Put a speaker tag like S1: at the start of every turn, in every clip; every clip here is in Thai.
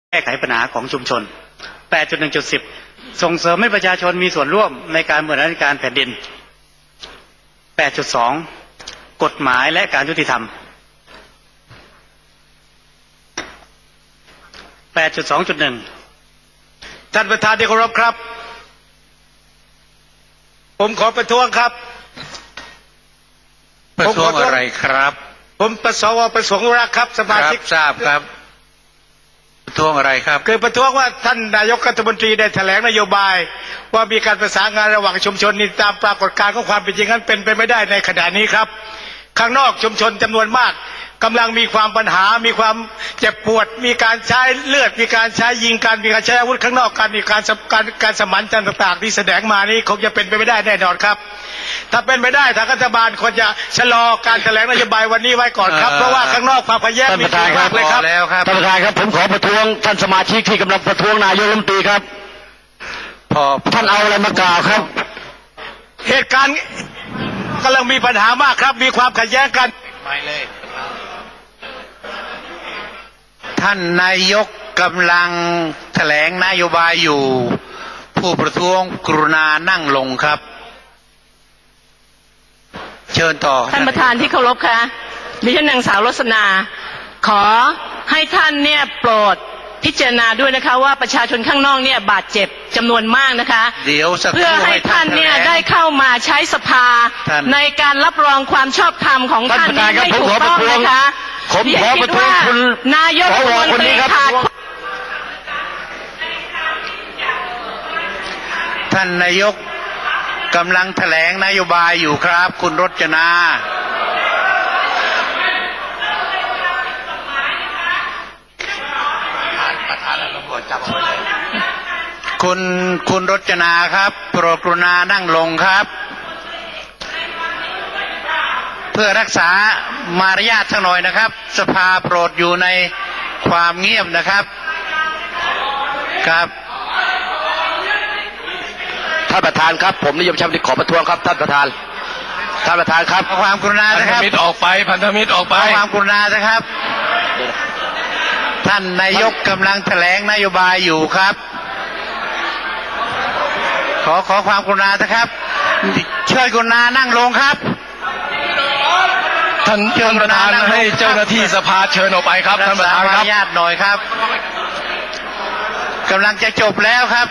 S1: แก้ไขปัญหาของชุมชน 8.1.10 ส่งเสริมให้ประชาชนมีส่วนร่วมในการบริหารการแผ่นดิน 8.2 กฎหมายและการยุติธรรม 8.2.1
S2: ท่านประธานที่เคารพครับผมขอประท้วงครับ
S3: ประท้วงอะไรครับ
S2: ผมประสวประสงค์รักครับสมาชิก
S3: ทราบครับประท้วงอะไรครับ
S2: คือประท้วงว่าท่านนายกรัฐมนตรีได้แถลงนโยบายว่ามีการประสานงานระหว่างชุมชนนี่ตามปรากฏการณ์ของความเป็นจริงนั้นเป็นไปไม่ได้ในขณะนี้ครับข้างนอกชุมชนจำนวนมากกำลังมีความปัญหามีความเจ็บปวดมีการใช้เลือดมีการใช้ยิงกันมีการใช้อาวุธข้างนอกกันมีการสมันต่างๆที่แสดงมานี้คงจะเป็นไปไม่ได้แน่นอนครับถ้าเป็นไปได้ทางรัฐบาลควรจะชะลอการแถลงนโยบายวันนี้ไว้ก่อนครับเพราะว่าข้างนอกความพยายามมีมากเลยครับ
S3: ท่านประธานครับผมขอประท้วงท่านสมาชิกที่กำลังประท้วงนายกรัฐมนตรีครับพอท่านเอาอะไรมากล่าวครับ
S2: เหตุการณ์กำลังมีปัญหามากครับมีความขัดแย้งกัน
S3: ไม่เลยท่านนายกกำลังแถลงนโยบายอยู่ผู้ประท้วงกรุณานั่งลงครับเชิญต่อ
S4: ท่านประธานที่เคารพค่ะดิฉันนางสาวรสนาขอให้ท่านเนี่ยโปรดพิจารณาด้วยนะคะว่าประชาชนข้างนอกเนี่ยบาดเจ็บจำนวนมากนะคะเพื่อให้ท่านเนี่ยได้เข้ามาใช้สภาในการรับรองความชอบธรรมของท่านนี้ให้ถูกต้องนะคะ
S3: ผมขอประท้วงคุณ
S4: นายกรัฐมนตรีขาด
S3: ท่านนายกกำลังแถลงนโยบายอยู่ครับคุณรจนาคุณรจนาครับโปรดกรุณานั่งลงครับเพื่อรักษามารยาทสักหน่อยนะครับสภาโปรดอยู่ในความเงียบนะครับครับท่านประธานครับผมนิยมชมที่ขอประท้วงครับท่านประธานครับความกรุณานะครับพันธมิตรออกไปความกรุณานะครับท่านนายกกำลังแถลงนโยบายอยู่ครับขอความกรุณานะครับเชิญกรุณานั่งลงครับ
S5: ท่านประธานให้เจ้าหน้าที่สภาเชิญออกไปครับท่านประธานครับ
S3: ญาติหน่อยครับกำลังจะจบแล้วครับ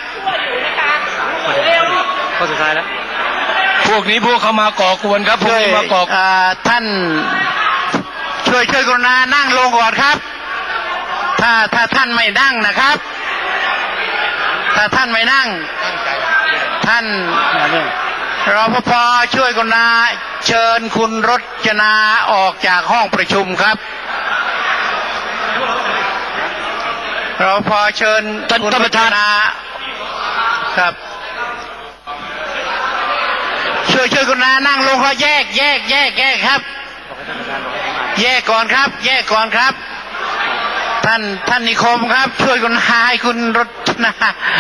S1: ข้อสุดท้ายแล้ว
S5: พวกนี้พวกเขามาก่อกวนครับพวกนี้มาก่อ
S3: ท่านช่วยกรุณานั่งลงก่อนครับถ้าท่านไม่นั่งนะครับถ้าท่านไม่นั่งท่านรปภช่วยกรุณาเชิญคุณรจนาออกจากห้องประชุมครับรปภเชิญคุณรจนาครับช่วยกรุณานั่งลงเขาแยกครับแยกก่อนครับท่านนิคมครับช่วยกรุณาให้คุณรจนา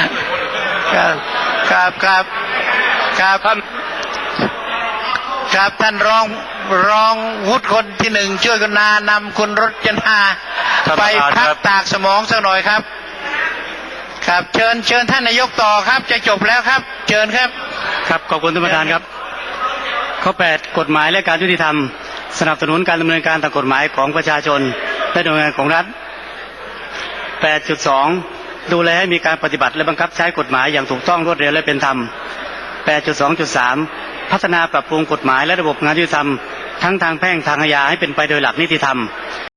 S3: ครับท่านรองวุฒิคนที่หนึ่งช่วยกรุณานำคุณรจนาไปพักตากสมองสักหน่อยครับเชิญท่านนายกต่อครับจะจบแล้วครับเชิญครับ
S1: ขอบคุณท่านประธานครับข้อ 8 กฎหมายและการยุติธรรมสนับสนุนการดำเนินการตามกฎหมายของประชาชนและหน่วยงานของรัฐ 8.2 ดูแลให้มีการปฏิบัติและบังคับใช้กฎหมายอย่างถูกต้องรวดเร็วและเป็นธรรม 8.2.3 พัฒนาปรับปรุงกฎหมายและระบบงานยุติธรรมทั้งทางแพ่งทางอาญาให้เป็นไปโดยหลักนิติธรรม